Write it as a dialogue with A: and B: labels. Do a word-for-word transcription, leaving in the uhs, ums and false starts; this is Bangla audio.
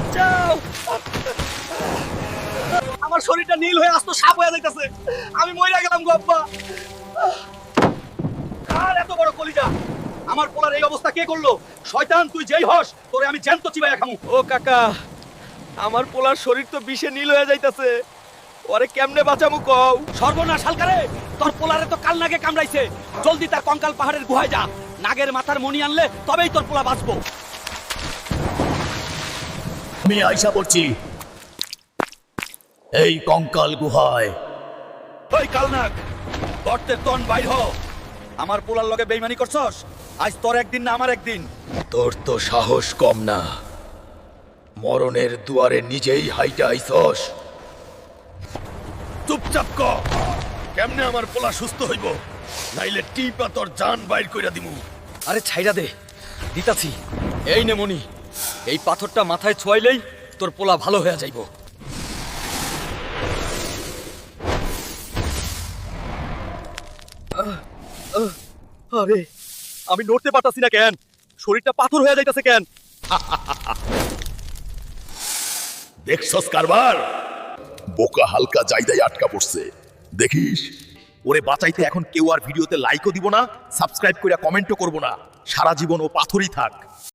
A: বাঁচাও। আমার শরীরটা নীল হয়ে আসতো সাপ হয়ে যাইতেছে, আমি মইরা গেলাম গো আব্বা। আর এত বড় কলিজা, আমার পোলার এই অবস্থা কে করলো? শয়তান, তুই যেই হস তোরে আমি জ্যান্ত চিবাইয়া খামু। ও কাকা, আমার পোলার শরীর তো বিষে নীল হয়ে যাইতাছে, ওরে কেমনে বাঁচামু কও? সর্বনাশ হালকারে, তোর পোলারে তো কাল নাগে কামড়াইছে, জলদি তার কঙ্কাল পাহাড়ের গুহায় যা, নাগের মাথার মণি আনলে তবেই তোর পোলা বাঁচবো।
B: আমি আইসা পড়ছি এই কঙ্কাল গুহায়।
A: ওই কালনাগ, গর্তের তন বাইর হ। আমার পোলার লগে বেইমানি করছস, আজ তোর একদিন না আমার একদিন।
B: তোর তো সাহস কম না, মরণের দুয়ারে নিজেই হাইটা আইছস। চুপচাপ ক, কেমনে আমার পোলা সুস্থ হইব, নাইলে টিপা তোর জান বাইর কইরা দিমু।
A: আরে ছাইরা দে, দিতাছি। এই নে মনি, এই পাথরটা মাথায় ছোঁয়াইলেই তোর পোলা ভালো হয়ে যাইব। আরে আমি নড়তে পারতাছি না কেন? শরীরটা পাথর হয়ে যাইতাছে কেন?
B: দেখছস কারবার, বোকা হালকা জায়গায় আটকা পড়ছে, দেখিস। ওরে বাঁচাইতে এখন কেউ আর ভিডিওতে লাইকও দিব না, সাবস্ক্রাইব কইরা কমেন্টও করব না, সারা জীবন ও পাথরই থাক।